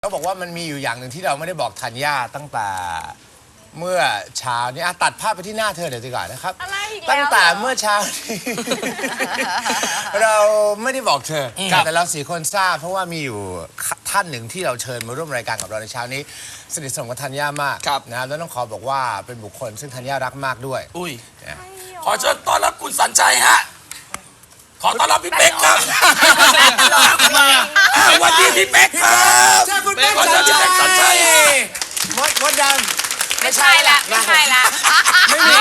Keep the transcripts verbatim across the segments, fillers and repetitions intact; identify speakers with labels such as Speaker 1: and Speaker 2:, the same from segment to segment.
Speaker 1: บอกว่ามันมีอยู่อย่างหนึ่งที่เราไม่ได้บอกธัญญาตั้งแต่เมื่อเช้านี้ตัดภาพไปที่หน้าเธอเดี๋ยวดีกว่านะครับตั้งแต่เมื่อเช้านี้ เราไม่ได้บอกเธอแต่เราสี่คนทราบเพราะว่ามีอยู่ท่านหนึ่งที่เราเชิญมาร่วมรายการกับเราในเช้านี้สนิทสนมกับธัญญามากนะแล้วต้องขอบอกว่าเป็นบุคคลซึ่งธัญญารักมากด้วย
Speaker 2: อุ้ยขอเชิญต้อนรับคุณสัญชัยฮะขอต้อนรับพี่เป๊กครับสวัสดีพี่เป๊กครับ
Speaker 1: ใช่คุณเป๊กสัญชัยมดมดดำ
Speaker 3: ไม่ใช่ละไม่ใช่ละ
Speaker 1: ไม่มี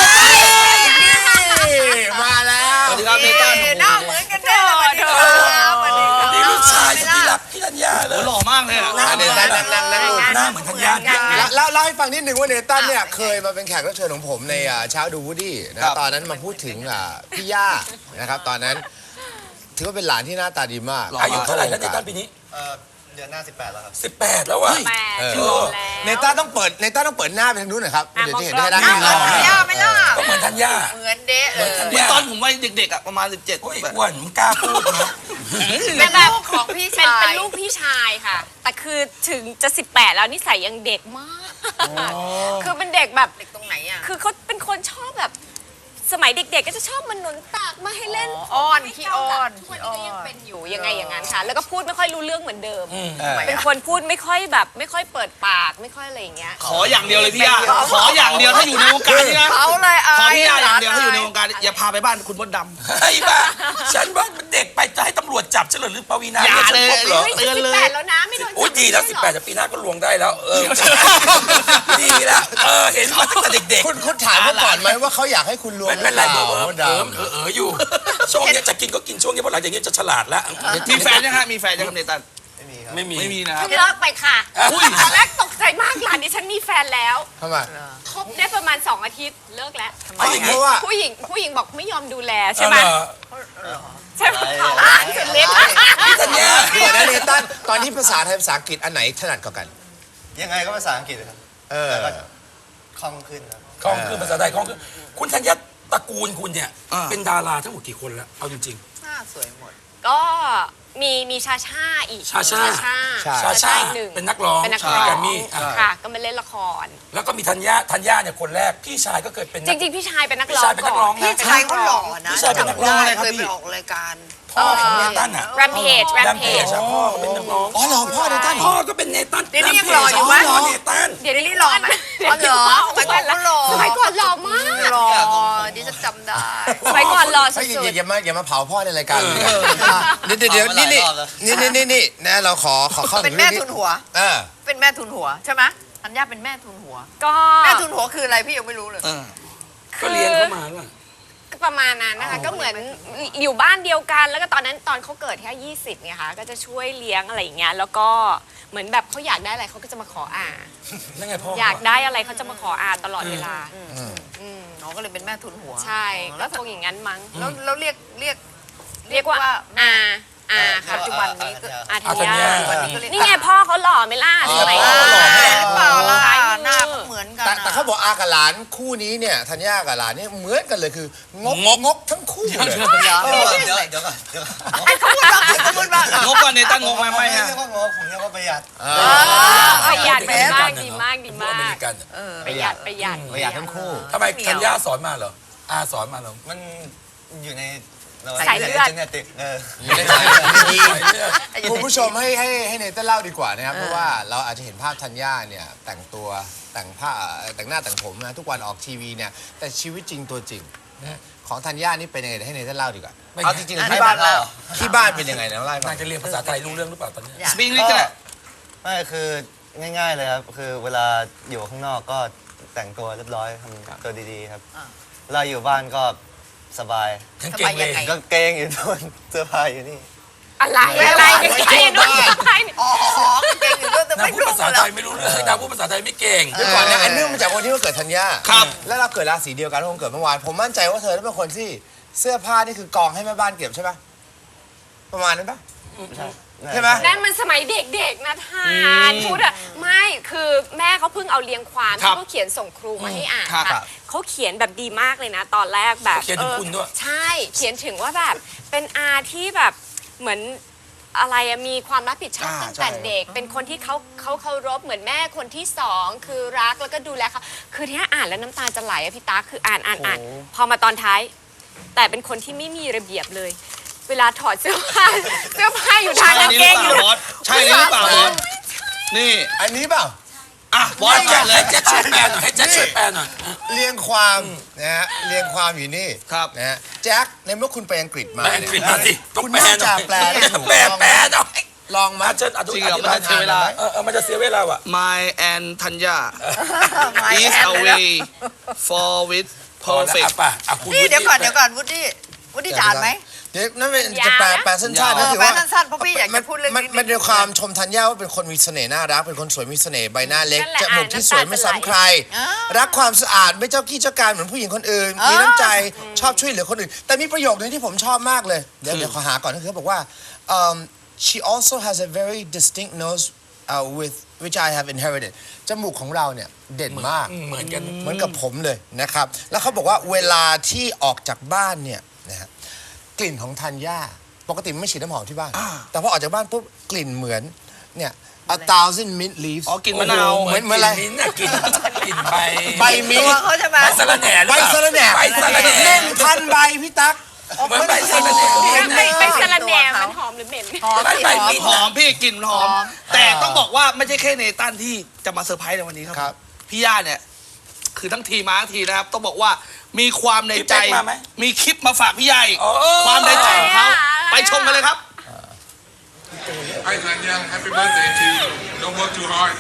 Speaker 1: มาแล้ว
Speaker 2: สวัสดีครับเนต้า
Speaker 3: หน้าเหมือนกันเลยสวัสดีครับสวัสดีครับ
Speaker 2: นี่ลูกชายสุดที่รักพี่ธัญญาเลย
Speaker 4: หล่อมากเลย
Speaker 1: หน้าเนตันนั่งนั่ง
Speaker 2: หน้าเหมือนธัญญา
Speaker 1: แล้วเล่าให้ฟังนิดนึงว่าเนตันเนี่ยเคยมาเป็นแขกรับเชิญของผมในเช้าดูวูดดี้นะตอนนั้นมาพูดถึงพี่ย่านะครับตอนนั้นถือว่าเป็นหลานที่หน้าตาดีมาก
Speaker 2: อายุเท่าไหร่แล้วเนตันปีนี้
Speaker 5: เดือนหน้าสิบแปดแล้วครับ
Speaker 2: สิบแปดแล้ววะ
Speaker 1: เนต้าต้องเปิดเนต้าต้องเปิดหน้าไปทางนู้นหน่อยครับเดี๋ยวจะเห็นได้ด้านนี้
Speaker 3: ย่าไม่ล่ะ
Speaker 2: ก็เหมือนธัญญา
Speaker 3: เหมือนเด๊ะเลย
Speaker 4: เหมือนตอนผมวัยเด็กๆอ่ะประมาณสิบเจ็ด
Speaker 2: โอ้ยอ้วนมึงกล้าพูดนะ
Speaker 3: เป็นลูกของพี่ชาย
Speaker 6: เป็นลูกพี่ชายค่ะแต่คือถึงจะสิบแปดแล้วนิสัยยังเด็กมากคือเป็นเด็กแบบ
Speaker 3: เด็กตรงไหนอ่ะ
Speaker 6: คือเขาเป็นคนชอบแบบสมัยเด็กๆก็จะชอบมันหนุนตักมาให้เล่น
Speaker 3: อ้อนขี้อ้อน
Speaker 6: ทุกวันนี้ก็ยังเป็นอยู่ยังไงอย่างนั้นค่ะแล้วก็พูดไม่ค่อยรู้เรื่องเหมือนเดิมเป็นคนพูดไม่ค่อยแบบไม่ค่อยเปิดปากไม่ค่อยอะไรอย่างเงี้ย
Speaker 4: ขออย่างเดียวเลยพี่ย่าขออย่างเดียวถ้าอยู่ในวงการนี่นะ
Speaker 3: เขาเลย
Speaker 4: ขอพี่ย่าอย่างเดียวถ้าอยู่ในวงการอย่าพาไปบ้านคุณมดดำ
Speaker 2: ไอ้บ้าฉันว่าเด็กไปจะให้ตำรวจจับฉันหรือปวีณา
Speaker 4: อย่าเลย
Speaker 6: เตือนเลยสิบแปดแล้วนะไม่โดนจับ
Speaker 2: โอ้ยดีแล้วสิบแปดแต่ปีหน้าก็ลวงได้แล้วเออดีแล้วเออเห็นมาตั้งแต่เด็กๆ
Speaker 1: คุณคุณถามเขาก่อนไหมว่าเขาอยากให้คุณลวง
Speaker 2: ไม่เป็นไรเบอร์เบอร์เออเอออยู่ช่วงนี้จะกินก็กินช่วงนี้เพราะหลังจากนี้จะฉลาดแล้ว
Speaker 4: มีแฟนยังฮะมีแฟนยังเนตัน
Speaker 5: ไม่มีครับ
Speaker 2: ไม่มี
Speaker 4: ไม่มีนะครับ
Speaker 6: เลิกไปค่ะตอนแรกตกใจมากหลานดิฉันมีแฟนแล้ว
Speaker 1: ทำไม
Speaker 6: คบได้ประมาณสองอาทิตย์เลิกแล้ว
Speaker 1: เพราะว่า
Speaker 6: ผู้หญิงผู้หญิงบอกไม่ยอมดูแลใช่ไหมใช่ไหมสุดฤทธิ์
Speaker 2: ธัญญา
Speaker 1: เดี๋ยวนะเนตันตอนนี้ภาษาไทยภาษาอังกฤษอันไหนถนัดกว่ากัน
Speaker 5: ยังไงก็ภาษาอังกฤษครับ
Speaker 1: เออ
Speaker 5: คล่องขึ้นครับ
Speaker 2: คล่องขึ้นภาษาไทยคล่องขึ้นคุณธัญญาตระกูลคุณเนี่ยเป็นดาราทั้งหมดกี่คนแล้วเอาจริง
Speaker 3: ๆหน้าสวยหมด
Speaker 6: ก็มีมีชาชาอีก
Speaker 2: ชาชา
Speaker 6: ชา
Speaker 2: ชาหนึ่งเป็นนักร้อง
Speaker 6: เป็นนักร้องค่ะก็มาเล่นละคร
Speaker 2: แล้วก็มีธัญญาธัญญาเนี่ยคนแรกพี่ชายก็เคยเป็น
Speaker 6: จริงๆพี่ชายเป็นนักร้องก่อน
Speaker 3: พี่ชายเขาหล่อนะ
Speaker 2: พี่ชายเป็นนักร้องอะไรครับ
Speaker 3: พี่เคยไปออกรายการ
Speaker 2: พ่อของเนตันอ่ะ
Speaker 6: Rampage Rampage
Speaker 2: พ่อเขาเป็นนักร้อง
Speaker 1: อ๋อเหรอพ่อเนตัน
Speaker 2: พ่อก็เป็นเนตัน
Speaker 3: เดี๋ยวนี้ยังหล่ออยู่ไหม
Speaker 2: เนตัน
Speaker 3: เดี๋ยวนี้หล่อไหมหล่อสมัยก่อนหล่อ
Speaker 6: สมัยก่อนหล่อมาก
Speaker 3: หล่อดิฉันจำได้
Speaker 6: สมัยก่อนหล่อสุด
Speaker 1: ๆอย่ามาอย่ามาเผาพ่อในรายการเดี๋ยวเดี๋ยวนี่นี่นี่นี่นี่นะเราขอขอเข้า
Speaker 3: เป็นแม่ทุนหัว
Speaker 1: เออ
Speaker 3: เป็นแม่ทุนหัวใช่ไหมธัญญาเป็นแม่ทุนหัว
Speaker 6: ก็
Speaker 3: แม่ทุนหัวคืออะไรพี่ยังไม่รู้เลย
Speaker 2: ก็เลี้ยงเข้ามาล่ะ
Speaker 6: ประมาณนั้นนะคะก็เหมือนอยู่บ้านเดียวกันแล้วก็ตอนนั้นตอนเขาเกิดแค่ยี่สิบไงคะก็จะช่วยเลี้ยงอะไรอย่างเงี้ยแล้วก็เหมือนแบบเขาอยากได้อะไรเขาก็จะมาขออา
Speaker 2: นั่นไงพ่อ
Speaker 6: อยากได้อะไรเขาจะมาขออาตลอดเวลา
Speaker 3: น้องก็เลยเป็นแม่ทุนหัว
Speaker 6: ใช่ก็คงอย่างนั้นมั้ง
Speaker 3: แล้วเราเรียกเรียก
Speaker 6: เรียกว่าอาอา
Speaker 3: ปัจจุบันนี้
Speaker 6: อาธัญญานี่ไงพ่อเขาหล่อไหมล่ะสมัยก่อน
Speaker 3: เปล่าล่ะหน้าเหมือนกัน
Speaker 1: แต่เขาบอกอากับหลานคู่นี้เนี่ยธัญญากับหลานนี่เหมือนกันเลยคืองกงกทั้งคู่เลย
Speaker 5: เดี๋ยวเดี๋ยวก่อนเดี๋ยวก่อน
Speaker 3: เขาพูดว่าเขาพูดว่าง
Speaker 4: กก่อนเนตันงกไหมไม่
Speaker 5: ฮะเรียกว่างกผมเรียกว่าประหยัด
Speaker 6: ประหยัดดีมากดีมากดีมากประหยัดประหยัด
Speaker 1: ประหยัดทั้งคู่
Speaker 2: ทำไมธัญญาสอนมาเหรออาสอนมาเหรอ
Speaker 5: มันอยู่ใน
Speaker 6: สายเลือด
Speaker 1: คุณผู้ชมให้ให้ให้เนเธอร์เล่าดีกว่านะครับเพราะว่าเราอาจจะเห็นภาพธัญญาเนี่ยแต่งตัวแต่งผ้าแต่งหน้าแต่งผมนะทุกวันออกทีวีเนี่ยแต่ชีวิตจริงตัวจริงของธัญญานี่เป็นยังไงให้เนเธอร์เล่าดีกว่าเอาจริงๆที่บ้านที่บ้านเป็นยังไงนะเล่าให้ฟัง
Speaker 2: น่าจะเรียนภาษาไทยรู้เรื่องหรือเปล่าตอนนี้
Speaker 4: สปีกนี่ก็
Speaker 5: ไม่คือง่ายๆเลยครับคือเวลาอยู่ข้างนอกก็แต่งตัวเรียบร้อยทำตัวดีๆครับเราอยู่บ้านก็สบาย
Speaker 2: เก่งเลย
Speaker 5: ก็เกงอยู่โดนเสื้อผ้าอยู่นี่
Speaker 6: อะไรอะไรไม่ใช่นู่น
Speaker 3: อ๋อเก่งอยู่ด้วยแต่ไม่
Speaker 2: พูดภาษาไทยไม่รู้เรื่องดาวพูดภาษาไทยไม่เก่ง
Speaker 1: เดี๋ยวก่อนนะอันเนื่องมาจากวันที่วันเกิดธัญญา
Speaker 4: ครับ
Speaker 1: แล้วเราเกิดราศีเดียวกันวันเกิดเมื่อวานผมมั่นใจว่าเธอเป็นคนที่เสื้อผ้านี่คือกองให้แม่บ้านเก็บใช่ปะประมาณนั้นปะใช่ไหม
Speaker 6: นั่นมันสมัยเด็กๆนะทานพูดอะไม่คือแม่เขาเพิ่งเอาเรียงความที่เขาเขียนส่งครูมาให้อ่านค่ะเขาเขียนแบบดีมากเลยนะตอนแรกแบบ
Speaker 2: เขียนถึงคุณด้วย
Speaker 6: ใช่เขียนถึงว่าแบบเป็นอาที่แบบเหมือนอะไรอะมีความรับผิดชอบ
Speaker 4: อ่า
Speaker 6: ตั้งแต่
Speaker 4: ใช่
Speaker 6: เด็ก เป็นคนที่เขาเขาเคารพเหมือนแม่คนที่สองคือรักแล้วก็ดูแลเขาคือที่อ่านแล้วน้ำตาจะไหลอะพี่ตาคืออ่านอ่านอ่านพอมาตอนท้าย แต่เป็นคนที่ไม่มีระเบียบเลย เวลาถอดเสื้อผ้าเสื้อผ้าอยู่ทางกางเกงอยู่
Speaker 4: บอสใช่หรือเปล่าบอสนี่
Speaker 1: อันนี้เปล่า
Speaker 4: อ่ะบอสแกะเลย
Speaker 2: ให้แจ็คช่วยแปลหน่อยให้แจ็คช่วยแปลหน่อย
Speaker 1: เรียงความนะฮะเรียงความอยู่นี่
Speaker 4: ครับ
Speaker 1: นะฮะแจ็คในเมื่อคุณไปอังกฤษมา
Speaker 2: แปลอังกฤษมาสิต้อง
Speaker 1: คุณ
Speaker 2: แปล
Speaker 1: น่า
Speaker 2: หน่
Speaker 1: จะ
Speaker 2: อย
Speaker 1: แปลได้ถูก
Speaker 2: แปล
Speaker 1: ต้อง
Speaker 2: แปลหน่อย
Speaker 1: ลองมา
Speaker 2: มาเชิญอธิ
Speaker 4: จริงเหรอ
Speaker 2: บาย
Speaker 4: มันจะเสียเวลา
Speaker 2: เออเออมันจะเสียเวลาว่ะ
Speaker 4: My and Tanya
Speaker 3: ไม่
Speaker 4: is
Speaker 3: แอนเลยนะ
Speaker 4: away for with
Speaker 2: พอแล้ว
Speaker 4: perfect
Speaker 2: อ่ะป่ะอ่ะคุณ
Speaker 3: นี่เดี๋ยวก่อน
Speaker 2: วุฒิ
Speaker 3: เดี๋ยวก่อนวุฒิวุฒิจะอ่านไหม
Speaker 1: เดี๋ยวนั่นเป็นจะแปลแปลสั้นๆ
Speaker 4: ยาว
Speaker 1: ก็
Speaker 3: เออ
Speaker 1: คือ
Speaker 3: แปล
Speaker 1: ว่า
Speaker 3: สั้นๆเพราะพี่อยากจะพูดเรื่อง
Speaker 1: มัน
Speaker 3: นี้
Speaker 1: มันเป็นความชมธัญญาว่าเป็นคนมีเสน่ห์น่ารักเป็นคนสวยมีเสน่ห์ใบหน้าเล็ก
Speaker 6: นั่นแหละ
Speaker 1: จมูกที่สวยไม่ซ้ำใคร
Speaker 3: อ่า
Speaker 1: รักความสะอาดไม่เจ้ากี้เจ้าการเหมือนผู้หญิงคนอื่น
Speaker 3: อ่ามี
Speaker 1: มีน้ำใจชอบช่วยเหลือคนอื่น แต่มีประโยคนึงที่ผมชอบมากเลย เดี๋ยวเดี๋ยวขอหาก่อนก็คือเขาบอกว่า um, she also has a very distinct nose uh, with which I have inherited จมูกของเราเนี่ยเด่นมาก
Speaker 2: อืมเหมือนกัน
Speaker 1: เหมือนกับผมเลยนะครับ แล้วเขาบอกว่าเวลาที่ออกจากบ้านเนี่ยนะฮะกลิ่นของธัญญาปกติไม่ฉีดน้ำหอมที่บ้าน แต่พอออกจากบ้านปุ๊บกลิ่นเหมือนเนี่ย a thousand mint leaves
Speaker 4: อ๋อกลิ่นมะนาว
Speaker 2: โอ้โ
Speaker 1: เหมือนเหมือนอะไร
Speaker 2: กลิ่นมิ้นท์น่ะกลิ่นกลิ่นใบ
Speaker 1: ใบมิ้น
Speaker 3: ตัว
Speaker 1: ท์
Speaker 3: เขาใช่ไหม
Speaker 2: ใบสะระแหน่หรือ
Speaker 1: ใบ
Speaker 2: เปล่า
Speaker 1: สะระแหน่
Speaker 2: ใบสะระแหน่
Speaker 1: หนึ่งพันใบพี่ตั๊ก
Speaker 2: เหมือนใบสะระแหน่
Speaker 6: ไปไปสลันแหนมันหอมหรือเหม็น
Speaker 3: หอมสิ
Speaker 2: ใบ
Speaker 3: หอม
Speaker 2: มิ้นท์
Speaker 4: หอมพี่กลิ่นหอม
Speaker 3: หอม
Speaker 4: แต่ต้องบอกว่าไม่ใช่แค่เนตันที่จะมาเซอร์ไพรส์ในวันนี้ค
Speaker 1: ครั
Speaker 4: รับ พี่ย่าเนี่ย คือทั้งทีมมาทั้งทีนะครับ ต้องบอกว่ามีความในใจ
Speaker 2: พี่เป๊กมาไหม
Speaker 4: มีคลิปมาฝากพี่ย่าอีก
Speaker 2: โอ้
Speaker 4: ความในใจของเขา
Speaker 6: อะไรอ่ะ
Speaker 4: ไปชมกันเลยครับ
Speaker 7: Hi Tanya, happy birthday to you. Don't work too hard.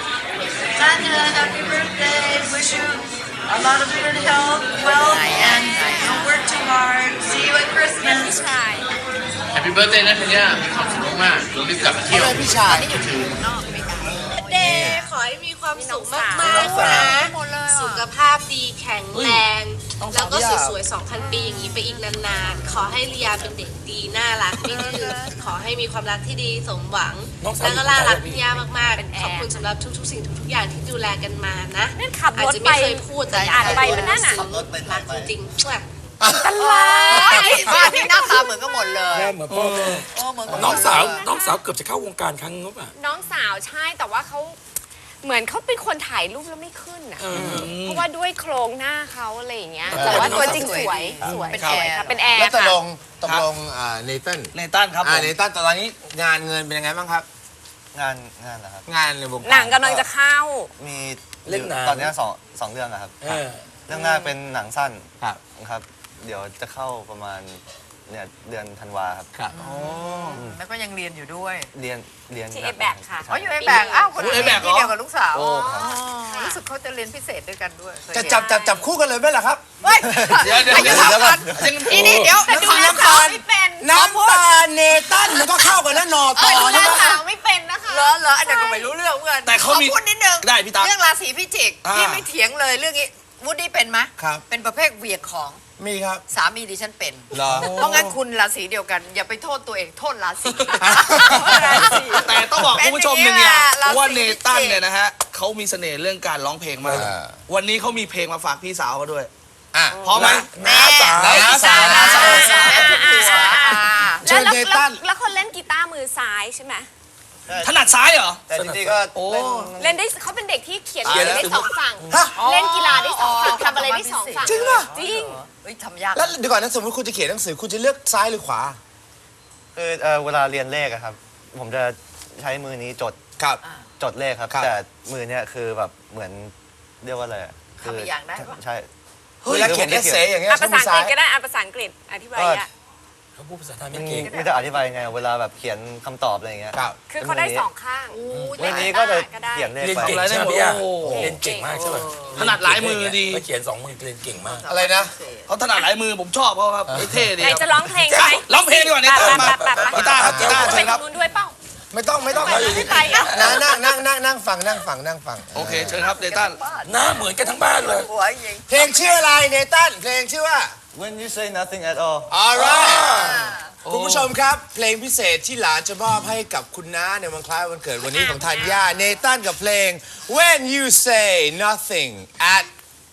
Speaker 8: Tanya, happy birthday. Wish you a lot of good health, wealth, and don't work too hard. See you at Christmas.
Speaker 6: ใช่
Speaker 9: Happy birthday นะธัญญามีความสุขมากๆเรารีบกลับมาเที่ยว
Speaker 1: พี่ชาย
Speaker 8: เดย์ขอให้มีความสุขมาก
Speaker 3: น้อง
Speaker 8: ๆ
Speaker 3: สาว
Speaker 8: นะ
Speaker 3: หมดเลย
Speaker 8: สุ
Speaker 3: อ่ะ
Speaker 8: ขภาพดีแข็งแรง แล้วก็สวยๆ สองพัน ปีอย่างนี้ไปอีกนานๆ ขอให้เลียเป็นเด็กดีน่ารักไม่ดื้อขอให้มีความรักที่ดีสมหวัง
Speaker 2: น้องสาว
Speaker 8: แล้วก็น่ารัก
Speaker 2: อยู่
Speaker 8: พี่
Speaker 2: ไหน
Speaker 8: ย่ามากๆ ขอบคุณสำหรับทุกๆ สิ่งทุกๆ อย่างที่ดูแลกันมานะ
Speaker 6: นั่นขับ
Speaker 8: อาจ
Speaker 6: รถ
Speaker 8: จะ
Speaker 6: ไป
Speaker 8: ไม่เคยพูดแต่อยาก
Speaker 6: อ่านไปมันนั่นน่ะ
Speaker 8: รักจริงๆ
Speaker 6: ตลาด
Speaker 3: บ้านนี้หน้าตาเหมือนกันหมดเลย
Speaker 2: แม่เหมือนพ่อแม่
Speaker 3: โอ้เหมือนกัน
Speaker 2: น้องสาวน้องสาวเกือบจะเข้าวงการครั้งนึงป่ะ
Speaker 6: น้องสาวใช่แต่ว่าเขาเหมือนเขาเป็นคนถ่ายรูปแล้วไม่ขึ้นอ่ะเพราะว่าด้วยโครงหน้าเขาอะไรอย่างเงี้ยแต่ว่าตัวจริงสวยสวย
Speaker 3: เป็น
Speaker 6: ส
Speaker 3: แอ
Speaker 6: วย
Speaker 3: ร์
Speaker 6: ค่ะเป็นแอร์
Speaker 1: แล้วตก
Speaker 6: ค่ะ
Speaker 1: ลงตกลงอ่าเนตัน
Speaker 4: เนตันครับผ
Speaker 1: อ่าม เนตันตอนนี้งานเงินเป็นยังไงบ้างครับ
Speaker 5: งานงานนะครับ
Speaker 1: งานในวงการ
Speaker 6: หนังกำลังจะเข้า
Speaker 5: มี
Speaker 2: เล่นหนัง
Speaker 5: ตอนนี้สองสองเรื่องอะครับ
Speaker 2: เออ
Speaker 5: เรื่องแรกเป็นหนังสั้น
Speaker 1: ครับ
Speaker 5: ครับ เดี๋ยวจะเข้าประมาณเนี่ยเดือนธันวาครับ
Speaker 1: ครับ
Speaker 3: แล้วก็ยังเรียนอยู่ด้วย
Speaker 5: เรียนเรียน
Speaker 6: ที่
Speaker 5: หนัก
Speaker 6: A-back ค่ะ
Speaker 5: ใช่
Speaker 3: อ๋ออยู่ไอ้แบกอ้าวคน
Speaker 4: โอ้
Speaker 3: นี้
Speaker 4: ไอ้แบกเหรอ
Speaker 3: ที่เดียวกับลูกสาว
Speaker 5: โอ้ครับ
Speaker 3: รู้สึกเขาจะเรียนพิเศษด้วยกันด้วยเคย
Speaker 1: จะ
Speaker 3: เห็น
Speaker 1: จับจับจับคู่กันเลยไหมล่ะครับ
Speaker 3: เฮ้ย
Speaker 4: เดี๋ยวเดี๋ยว
Speaker 3: อายุ
Speaker 4: เดี๋ยว
Speaker 3: เท่ากัน
Speaker 4: ยัง
Speaker 3: นี่นี่เดี๋ยว
Speaker 6: แต่
Speaker 3: เดี๋ยว
Speaker 6: ดู
Speaker 3: ฟัง
Speaker 6: แล
Speaker 3: น้ำ
Speaker 6: สา
Speaker 3: ตาว ล
Speaker 6: ไม่เป็น
Speaker 1: น้ำตาเนตันมันก็เข้ากันนะนอตอ
Speaker 6: ดูแล
Speaker 1: ใช่ไหม
Speaker 6: สาวไม่เป็นนะคะ
Speaker 3: เหรอเหรออันนี้นก็ไม่รู้เรื่องเหมือนกัน
Speaker 4: แต่เขามี
Speaker 3: ขอพูดนิดนึง
Speaker 4: ได้พี่ตั๊ก
Speaker 3: เรื่องราศีพิจิก
Speaker 4: อ่า
Speaker 3: พี่ไม่เถียงเลยเรื่องนี้วูดดี้เป็นไหม
Speaker 1: ครับ
Speaker 3: เป็นประเภทเหวียงของ
Speaker 1: มีครับ
Speaker 3: สามีดิฉันเป็น
Speaker 1: เหรอ
Speaker 3: เพราะงั้นคุณราศีเดียวกัน อย่าไปโทษตัวเองโทษราศี ราศี
Speaker 4: แต่ต้องบอกคุณผู้ชมหนึ่งอย่าง
Speaker 3: เป็นอย่างนี้แหละ
Speaker 4: ว่าเนตัน
Speaker 3: ราศีพิจิก
Speaker 4: เนี่ยนะฮะเขามีเสน่ห์เรื่องการร้องเพลงมาก
Speaker 1: อ่า
Speaker 4: วันนี้เขามีเพลงมาฝากพี่สาวเขาด้วย
Speaker 1: อ่ะ
Speaker 4: พร้อมไหม
Speaker 2: น้าสาว
Speaker 1: น้าสาว
Speaker 3: น้าสาว
Speaker 6: อ่า
Speaker 1: เชิญ
Speaker 6: แล้ว
Speaker 1: เน
Speaker 6: แล้ว
Speaker 1: ตัน
Speaker 6: แล้วคนเล่นกีตาร์มือซ้ายใช่ไหม
Speaker 4: ถนัดซ้ายเหรอ
Speaker 5: แต่จริงๆก็
Speaker 4: โอ้
Speaker 5: เล่น
Speaker 6: เล่นได้เขาเป็นเด็กที่เขียน
Speaker 2: เขียน
Speaker 6: ได้สองฝั่ง
Speaker 1: ฮะ
Speaker 6: เล่นกีฬาได้สองฝั่งทำอะไรได้สองฝั่ง
Speaker 1: จริงป่ะ
Speaker 6: จริง
Speaker 3: เฮ้ยทำยาก
Speaker 1: แล้วเดี๋ยวก่อนนะสมมติคุณจะเขียนหนังสือคุณจะเลือกซ้ายหรือขวา
Speaker 5: คือเอ่อเวลาเรียนเลขอะครับ ผมจะใช้มือนี้จด
Speaker 1: ครับ
Speaker 5: จดเลขครับ
Speaker 1: ครับ
Speaker 5: แต่มือเนี่ยคือแบบเหมือนเรียกว่าอะไรอะคื
Speaker 3: ทำอีกอย่างได้ปะ
Speaker 5: ใช่
Speaker 1: เวลาเขียนเอเซอย่างเงี้ย
Speaker 6: อ่ะภาษาอังกฤษ
Speaker 1: ใช้มือซ้าย
Speaker 6: ก็ได้อ่ะภาษาอังกฤษอธิบายอ่ะ
Speaker 2: เขาพูดภาษาไทย
Speaker 5: มั
Speaker 2: ไม่
Speaker 5: น
Speaker 2: เก่ง
Speaker 5: ไม่จะอธิบายยังไงอะเวลาแบบเขียนคำตอบอะไรอย่างเงี้ย
Speaker 1: ครับ
Speaker 6: คือเขาได้สองข้าง
Speaker 5: มือนี้ก็จะ
Speaker 6: ก็ได้
Speaker 5: เขียนเลข
Speaker 2: เรียน
Speaker 5: ไป
Speaker 2: เก่ง
Speaker 4: อะไรได้
Speaker 2: ใช่ไหม
Speaker 4: หมด
Speaker 2: พี่ย่า
Speaker 4: โอ้โห
Speaker 2: เรียนเก่งมากใช่ป่ะ
Speaker 4: ถนัดหลายมือดี
Speaker 2: แล้วเขียนสองมือเรียนเก่งมาก
Speaker 1: อะไรนะ
Speaker 4: เขาถนัดหลายมือผมชอบเขาครับเท่ดี
Speaker 6: ไหน
Speaker 4: ค
Speaker 6: จะ
Speaker 4: รับ
Speaker 6: ร้องเพลงไหม
Speaker 4: ร้องเพลงดีกว่าเนตันมา
Speaker 6: ไปไปไป
Speaker 4: กีตาร์ครับกีตาร์
Speaker 6: ไป
Speaker 4: เชิญครับ
Speaker 6: ทางนู้นด้วยเปล่า
Speaker 1: ไม่ต้องไม่ต้อง
Speaker 6: ไม่ไปอ่ะ
Speaker 1: นั่งนั่งนั่งนั่งนั่งฟังนั่งฟังนั่งฟัง
Speaker 4: โอเคเชิญครับเนตัน
Speaker 2: หน้าเหมือนกันทั้งบ้านเลย
Speaker 3: หัวยิง
Speaker 1: เพลงชื่ออะไรเนตันเพลงชื่อว่า
Speaker 5: When you say nothing at all
Speaker 1: alright คุณผู้ชมครับ เพลงพิเศษที่หลานจะมอบให้กับคุณน้าในวันคล้ายวันเกิดวันนี้ของธัญญาเนตันกับเพลง When you say nothing at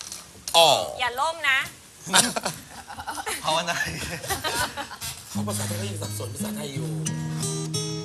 Speaker 1: all
Speaker 6: อย่าล่มนะ
Speaker 5: ภาวนา
Speaker 2: เขาภาษาไทยก็ยังสับสนภาษาไทยอยู่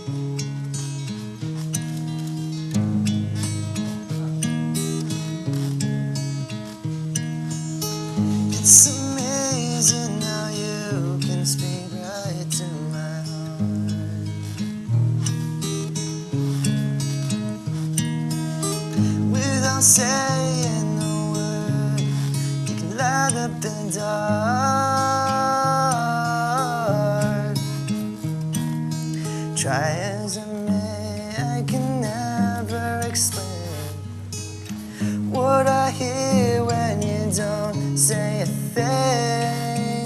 Speaker 5: saying a word. You can light up the dark. Try as I may, I can never explain what I hear when you don't say a thing.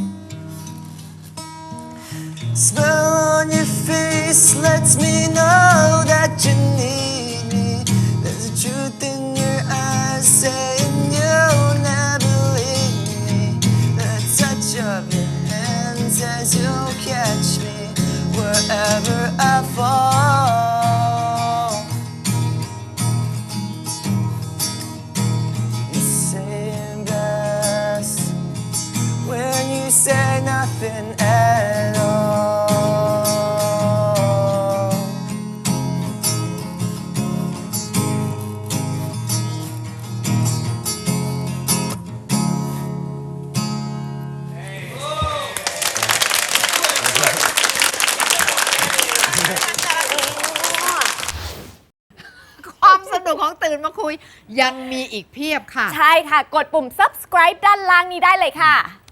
Speaker 5: Smell on your face lets me know that you need me. There's a truth in your eyes saying you'll never leave me. The touch of your hand says you'll catch me wherever I fall. You say it best when you say nothing at all.
Speaker 10: ความสนุกของตื่นมาคุยยังมีอีกเพียบค่ะ
Speaker 6: ใช่ค่ะ กดปุ่ม subscribe ด้านล่างนี้ได้เลยค่ะ